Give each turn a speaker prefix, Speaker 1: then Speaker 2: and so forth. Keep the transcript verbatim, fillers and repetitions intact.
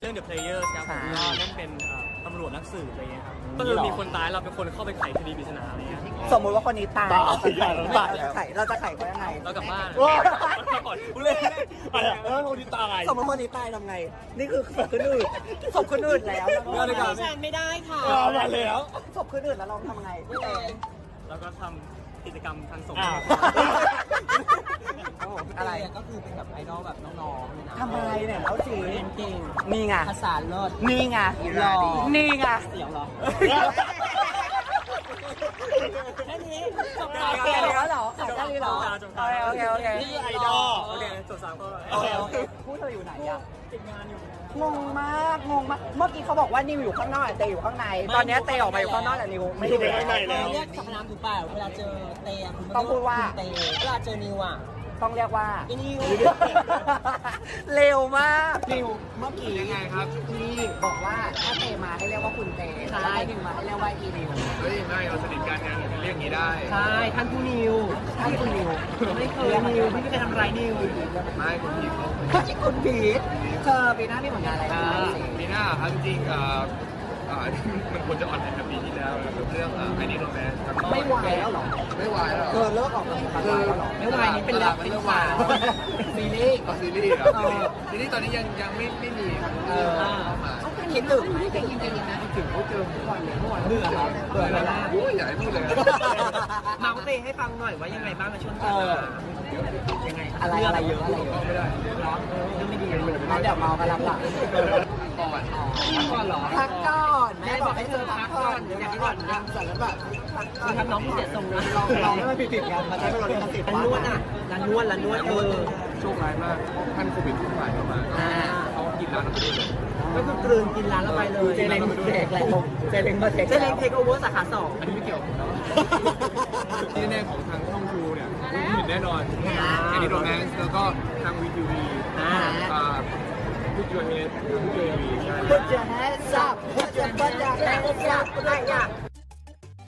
Speaker 1: รื่อง The Players ครับผมก็เล่นเป็นตำรวจนักสืบอะไรเงี้ยครับก็คือมีคนตายเราเป็นคนเข้าไปไขคดีปริศนาอะไรเงี้ย
Speaker 2: สมมุติว่าคนนี้ตายเราจะไขเราจะไขเขายังไง
Speaker 1: เรากลับบ้านก่อน
Speaker 3: กูเล่นอะไรแล้วคนที่ตาย
Speaker 2: สมมติคนนี้ตายทำไงนี่คือศพคนอื่นศพคนอื่นแล้ว
Speaker 4: ดิฉันไม่ได้ค่ะ
Speaker 3: มาแล้ว
Speaker 2: ศพคนอื่นแล้วเราทำไงพี่เอ
Speaker 1: แล้วก็ทำกิจกรรมทางสงฆ์
Speaker 2: อะไร
Speaker 4: ก็คือเป็นแบบไอดอลแบบน้องๆนะ
Speaker 2: ทำไมเนี่ยเขาสี
Speaker 4: เก่ง
Speaker 2: นี่ไง
Speaker 4: ภาษาเลิศ
Speaker 2: นี่ไงหล่อนี่ไง
Speaker 4: เสียวหรอแค่นี้จบ
Speaker 2: แล้วแค่นี้เหรอแค่นี้เหรอโอเคโอเค
Speaker 3: นี่ไอดอล
Speaker 1: โอเคจบสามข้อ
Speaker 2: โอเคโอเคพูดเธออยู่ไหนอะ
Speaker 1: ติดงานอยู่
Speaker 2: งงมากงงมากเมื่อกี้เขาบอกว่านิวอยู่ข้างนอกเตยอยู่ข้างในตอนนี้เตยออกมาอยู่ข้างนอกแต่นิวไม่อยู่
Speaker 3: ข้างในแล้ว
Speaker 4: เรียกสรรพนามถูกเปล่าเวลาเจอเตย
Speaker 2: ต้องพูดว่า
Speaker 4: เตยเวลาเจอนิวอ่ะ
Speaker 2: ต้องเรียกว่า
Speaker 4: อีนิว
Speaker 2: เร็วมาก
Speaker 4: นิวเมื่อกี้
Speaker 1: ยังไงครับ
Speaker 2: นี่บอกว่าถ้าเตมาให้เรียกว่าคุณเตถ้านิวมาให้เรียกว่าอีนิว
Speaker 1: เฮ้ยไม่เราสนิทกันยังเรียกอย่างนี้ได้
Speaker 4: ใช่ท่านผู้นิว
Speaker 2: ท่านคุณนิว
Speaker 4: ไม่เคยนิวไม่เคยทำไรนิว
Speaker 1: ไม่คุณพีท
Speaker 2: เขาที่คุณพีทเธอปีหน้ามีผลงานอะไรบ้าง
Speaker 1: ปีหน้าครับจริงๆอ่าอ่ามันควรจะออนแอร์ปีที่แล้วเรื่องไอ้นี่โรแมนต์
Speaker 2: ไม่วายแล้วหรอ
Speaker 1: ไม่วายแล้ว
Speaker 2: เธอเลิกออกกำลังกายแล้วหรอ
Speaker 4: ไม่วายนี่เป็นแล้วเป็นสาว
Speaker 2: ซีรีส์
Speaker 1: ก็ซีรีส์ครับซีรีส์ตอนนี้ยังยังไม่ไม่มีครับเออ
Speaker 2: คิดถึงไม่ได้ยินได้ยินนะ
Speaker 1: ถึงเขาเจอทุกวันเลยทุกวัน
Speaker 4: เบื่อแล้ว
Speaker 1: เบื่อแล้วโอ้ยใหญ่พูดเลย
Speaker 4: มาเตให้ฟังหน่อยว่ายังไงบ้างในช่วงนี้
Speaker 2: ยังไงอะไรอะไรเยอะอะไรเยอะ
Speaker 1: ไม่ได้
Speaker 4: ร้อนเรื่องไม่ดีเลย
Speaker 2: แล้วเดี๋ยวเมากันรับหลัง
Speaker 1: ก่อน
Speaker 4: พักก่อนเหรอ
Speaker 2: พักก่อนแม่บอกให้เธอพักก่อนอย่างที่ก่อนยังเสร็จแล้วแบบ
Speaker 4: ทำน้องที่เสียทรงนะ
Speaker 2: ลองลองให้มันผิดๆกันมาใช้เป็นรถติด
Speaker 4: ร้านนวดอ่ะร้านนวดร้านนวดเออ
Speaker 1: โชคร้ายมากท่านโควิดทุกฝ่ายเข้ามาเขากินร้านเราไปเลย
Speaker 4: ก็คือกลืนกินร้านเราไปเลย
Speaker 2: เจเล้งเทคแล้วเจเล้งมาเทค
Speaker 4: เจเล้งเทคโอเวอร์สาขาสอง
Speaker 1: อันนี้ไม่เกี่ยวที่แน่ของทางช่องทูเนี่ยคุณเห็นแน่นอนแอนดี้โรแมนส์แล้วก็ทางวีทีวีอ่าพูดยูเฮดพูดยูเอวีใช่
Speaker 2: Put your hands up, put your butt down, hands up, like that.